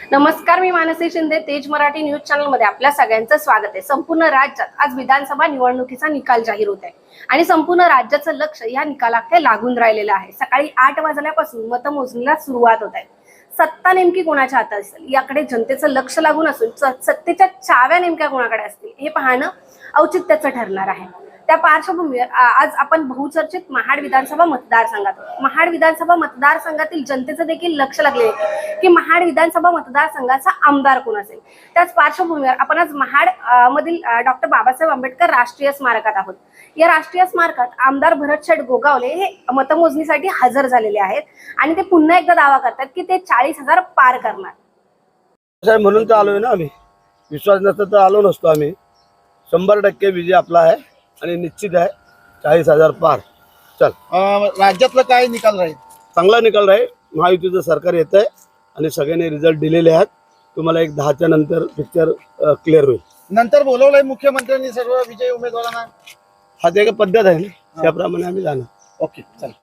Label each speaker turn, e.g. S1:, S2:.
S1: नमस्कार, मी मानसी शिंदे. तेज Marathi news channel मध्ये आपल्या सगळ्यांचं स्वागत आहे. संपूर्ण राज्यात आज विधानसभा निवडणुकीचा निकाल जाहीर होत आहे आणि संपूर्ण राज्याचं लक्ष या निकालाकडे लागून राहिलेलं आहे. सकाळी 8 वाजल्यापासून मतमोजणीला सुरुवात होत आहे. सत्ता नेमकी कोणाच्या हातात असेल याकडे जनतेचं लक्ष लागून असून सत्तेच्या चाव्या नेमक्या कोणाकडे असतील हे पाहणं औचित्याचं ठरणार आहे. त्या पार्श्वभूमीवर आज आपण बहुचर्चित महाड विधानसभा मतदारसंघातील जनतेचं देखील लक्ष लागले की महाड विधानसभा मतदारसंघाचा आमदार कोण असेल. त्याच पार्श्वभूमीवर आपण आज महाड मधील डॉक्टर बाबासाहेब आंबेडकर राष्ट्रीय स्मारकात आहोत. या राष्ट्रीय स्मारकात आमदार भरतशेठ गोगावले हे मतमोजणीसाठी हजर झालेले आहेत आणि ते पुन्हा एकदा दावा करतात की ते 40,000 पार करणार.
S2: म्हणून तर आलोय ना आम्ही. विश्वास नसता तर आलो नसतो आम्ही. 100% विजय आपला आहे आणि निश्चित आहे 40,000 पार. चल,
S3: राज्यातलं काय निकाल राहील?
S2: चांगला निकाल राहील. महायुतीचं सरकार येत आहे आणि सगळ्यांनी रिझल्ट दिलेले आहेत. तुम्हाला एक 10च्या नंतर पिक्चर क्लिअर होईल.
S3: नंतर बोलवलंय मुख्यमंत्र्यांनी सर्व विजयी उमेदवारांना.
S2: हा ते एक पद्धत आहे ना, त्याप्रमाणे आम्ही जाणार.
S3: ओके, चल.